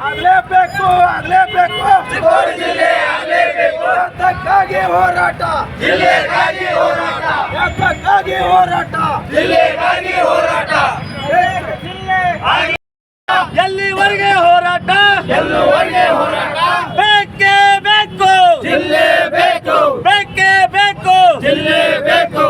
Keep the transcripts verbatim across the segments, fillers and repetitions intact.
ಆಗಲೇಬೇಕು ಆಗಲೇಬೇಕು ಚಿಕ್ಕೋಡಿ ಜಿಲ್ಲೆ ಆಗಲೇಬೇಕು ಯಾತಕ್ಕಾಗಿ ಹೋರಾಟ ಜಿಲ್ಲೆಗಾಗಿ ಹೋರಾಟ ಯಾತಕ್ಕಾಗಿ ಹೋರಾಟ ಜಿಲ್ಲೆಗಾಗಿ ಹೋರಾಟ ಎಲ್ಲಿವರೆಗೆ ಹೋರಾಟ ಎಲ್ಲಿವರೆಗೆ ಹೋರಾಟ ಬೇಕೇ ಬೇಕು ಜಿಲ್ಲೆ ಬೇಕು ಬೇಕೇ ಬೇಕು ಜಿಲ್ಲೆ ಬೇಕು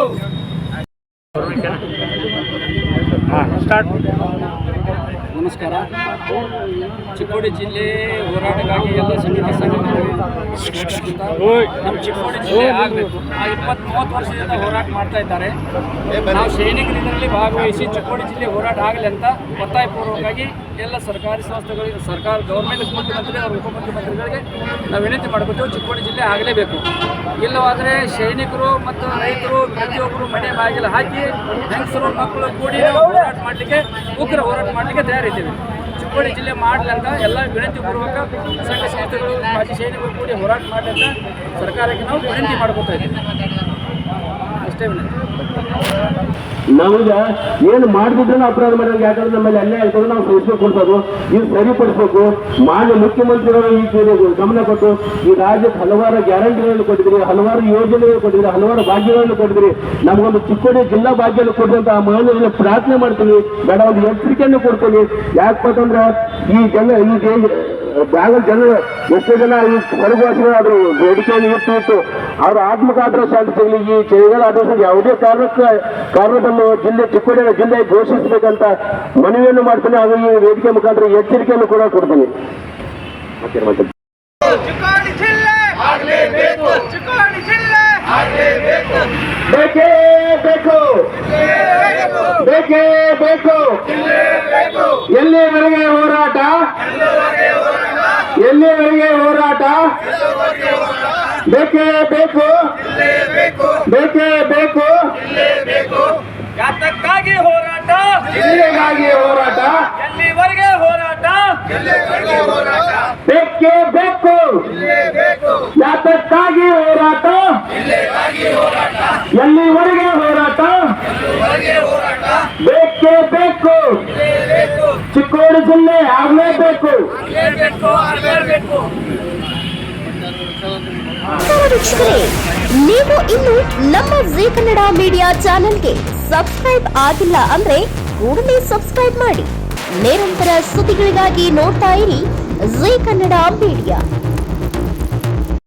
ನಮಸ್ಕಾರ. ಚಿಕ್ಕೋಡಿ ಜಿಲ್ಲೆ ಹೋರಾಟಕ್ಕಾಗಿ ಎಲ್ಲ ಸಮಿತಿ ಸಂಘಟನೆಗಳು ನಮ್ಮ ಚಿಕ್ಕೋಡಿ ಜಿಲ್ಲೆ ಆಗಬೇಕು. ಆ ಇಪ್ಪತ್ತು ಮೂವತ್ತು ವರ್ಷದಿಂದ ಹೋರಾಟ ಮಾಡ್ತಾ ಇದ್ದಾರೆ. ನಾವು ಸೈನಿಕರು ಇದರಲ್ಲಿ ಭಾಗವಹಿಸಿ ಚಿಕ್ಕೋಡಿ ಜಿಲ್ಲೆ ಹೋರಾಟ ಆಗಲಿ ಅಂತ ಒತ್ತಾಯಪೂರ್ವಕವಾಗಿ ಎಲ್ಲ ಸರ್ಕಾರಿ ಸಂಸ್ಥೆಗಳಿಗೆ, ಸರ್ಕಾರ ಗೌರ್ಮೆಂಟ್ ಮುಖ್ಯಮಂತ್ರಿ ಅವರು ಉಪಮುಖ್ಯಮಂತ್ರಿಗಳಿಗೆ ನಾವು ವಿನಂತಿ ಮಾಡ್ಕೊತೀವಿ, ಚಿಕ್ಕೋಡಿ ಜಿಲ್ಲೆ ಆಗಲೇಬೇಕು. ಇಲ್ಲವಾದರೆ ಸೈನಿಕರು ಮತ್ತು ರೈತರು ಪ್ರತಿಯೊಬ್ಬರು ಮನೆ ಬಾಗಿಲು ಹಾಕಿ ಹೆಂಗಸರು ಮಕ್ಕಳು ಕೂಡಿ ಹೋರಾಟ ಮಾಡಲಿಕ್ಕೆ, ಉಗ್ರ ಹೋರಾಟ ಮಾಡಲಿಕ್ಕೆ ತಯಾರಿದ್ದೀವಿ. ಚಿಕ್ಕೋಡಿ ಜಿಲ್ಲೆ ಮಾಡಲಂತ ಎಲ್ಲ ವಿನಂತಿ ಪೂರ್ವಕ ಸಂಘ ಸಂಸ್ಥೆಗಳು, ಮಾಜಿ ಸೈನಿಕರು ಕೂಡಿ ಹೋರಾಟ ಮಾಡಲಿ ಅಂತ ಸರ್ಕಾರಕ್ಕೆ ನಾವು ವಿನಂತಿ ಮಾಡ್ಕೊತಾ ಇದ್ದೀವಿ. ಅಷ್ಟೇ ವಿನಂತಿ. ನಮಗೆ ಏನು ಮಾಡಿದ್ರೆ ಅಪರಾಧ ಮಾಡಿದ್ರೆ ಯಾಕಂದ್ರೆ ನಮ್ಮಲ್ಲಿ ಅಲ್ಲೇ ಆಗ್ತದೆ, ನಾವು ಸಹಿಸ್ಬೇಕು ಕೊಡ್ಬೋದು, ಇದು ಸರಿಪಡಿಸ್ಬೇಕು. ಮಾನ್ಯ ಮುಖ್ಯಮಂತ್ರಿಗಳು ಈ ಗಮನ ಕೊಟ್ಟು ಈ ರಾಜ್ಯಕ್ಕೆ ಹಲವಾರು ಗ್ಯಾರಂಟಿಗಳನ್ನು ಕೊಟ್ಟಿದ್ರಿ, ಹಲವಾರು ಯೋಜನೆಗಳು ಕೊಟ್ಟಿದ್ರಿ, ಹಲವಾರು ಭಾಗ್ಯಗಳನ್ನು ಕೊಟ್ಟಿದ್ರಿ. ನಮಗೊಂದು ಚಿಕ್ಕೋಡಿ ಜಿಲ್ಲಾ ಭಾಗ್ಯವನ್ನು ಕೊಡುವಂತ ಆ ಮಾನ್ಯದಲ್ಲಿ ಪ್ರಾರ್ಥನೆ ಮಾಡ್ತೀವಿ, ಬೇಡ ಒಂದು ಎಚ್ಚರಿಕೆಯನ್ನು ಕೊಡ್ತೀವಿ. ಯಾಕಂದ್ರೆ ಈ ಜನ ಈ ಬ್ಯಾಂಗಲ್ ಜನರು ಎಷ್ಟೋ ಜನ ಈ ಹೊರಗುವಾಸಿಗಳು ಆದ್ರು ಬೇಡಿಕೆಯನ್ನು ಇಟ್ಟು ಇಟ್ಟು ಅವ್ರ ಆತ್ಮಕಾತ್ರ ಶಾಂತಿ ಸಿಗಲಿ, ಈ ಚಳಿಗಾಲ ಆದೇಶ ಯಾವುದೇ ಕಾರಣಕ್ಕೆ ಕಾರಣವನ್ನು ಜಿಲ್ಲೆ ಚಿಕ್ಕೋಡಿ ಜಿಲ್ಲೆ ಘೋಷಿಸಬೇಕಂತ ಮನವಿಯನ್ನು ಮಾಡ್ತೀನಿ. ಹಾಗೂ ಈ ವೇದಿಕೆ ಮುಖಾಂತರ ಎಚ್ಚರಿಕೆಯನ್ನು ಕೂಡ ಕೊಡ್ತೀನಿ. ಬೇಕೇ ಬೇಕು ಬೇಕೇ ಬೇಕು ಎಲ್ಲಿವರೆಗೆ ಹೋರಾಟ ಎಲ್ಲಿವರೆಗೆ ಹೋರಾಟ ಬೇಕೇ ಬೇಕು ಬೇಕೇ ಬೇಕು ಯಾತಕ್ಕಾಗಿ ಹೋರಾಟ ಜಿಲ್ಲೆಗಾಗಿ ಹೋರಾಟ ಎಲ್ಲಿವರೆಗೆ ಹೋರಾಟ ಬೇಕೇ ಬೇಕು ಯಾತಕ್ಕಾಗಿ ಹೋರಾಟ ಎಲ್ಲಿವರೆಗೆ ಹೋರಾಟ ಬೇಕೇ ಬೇಕು ಚಿಕ್ಕೋಡಿ ಜಿಲ್ಲೆ ಆಗಲೇಬೇಕು. ವೀಕ್ಷಕರೇ, ನೀವು ಇನ್ನು ನಮ್ಮ ಜೀ ಕನ್ನಡ ಮೀಡಿಯಾ ಚಾನೆಲ್ಗೆ ಸಬ್ಸ್ಕ್ರೈಬ್ ಆಗಿಲ್ಲ ಅಂದ್ರೆ ಕೂಡಲೇ ಸಬ್ಸ್ಕ್ರೈಬ್ ಮಾಡಿ. ನಿರಂತರ ಸುದ್ದಿಗಳಿಗಾಗಿ ನೋಡ್ತಾ ಇರಿ ಜೀ ಕನ್ನಡ ಮೀಡಿಯಾ.